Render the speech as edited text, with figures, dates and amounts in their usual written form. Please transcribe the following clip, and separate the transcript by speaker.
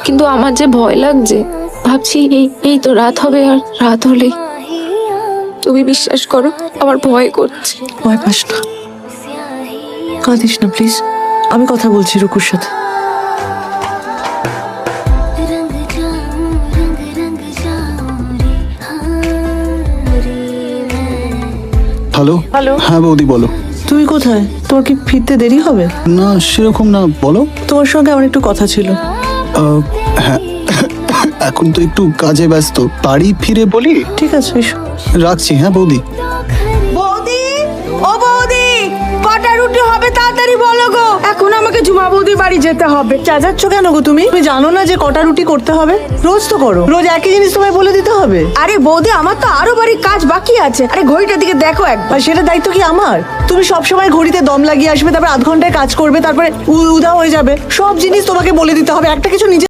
Speaker 1: কিন্তু আমার যে ভয় লাগছে, ভাবছি এই তো রাত হবে, আর রাত হলেই তুমি বিশ্বাস করো আমার ভয় করছে।
Speaker 2: ভয় পাস না, কাঁদিস না প্লিজ। আমি কথা বলছি রুকুর সাথে।
Speaker 3: হ্যালো।
Speaker 2: হ্যালো।
Speaker 3: হ্যাঁ বৌদি বলো।
Speaker 2: তুমি কোথায়? তোমার কি ফিরতে দেরি হবে?
Speaker 3: না সেরকম না, বলো।
Speaker 2: তোমার সঙ্গে আমার একটু কথা ছিল।
Speaker 3: হ্যাঁ এখন তো একটু কাজে ব্যস্ত, বাড়ি ফিরে বলি।
Speaker 2: ঠিক আছে, এসো।
Speaker 3: রাখছি। হ্যাঁ বৌদি।
Speaker 4: বৌদি, ও বৌদি, কটা রুটি হবে তাড়াতাড়ি বলো গো। এখন আমাকে ঝুমা বৌদি বাড়ি যেতে হবে।
Speaker 2: চেঁচাচ্ছ কেন গো তুমি? তুমি জানো না যে কটা রুটি করতে হবে? রোজ তো করো, রোজ একই জিনিস তোমায় বলে দিতে হবে?
Speaker 4: আরে বৌদি, আমার তো আরো বাড়ির কাজ বাকি আছে। আরে ঘড়িটার দিকে দেখো একবার।
Speaker 2: আর সেটা দায়িত্ব কি আমার? তুমি সবসময় ঘড়িতে দম লাগিয়ে আসবে, তারপর আধ ঘন্টায় কাজ করবে, তারপরে উদা হয়ে যাবে। সব জিনিস তোমাকে বলে দিতে হবে, একটা কিছু নিজে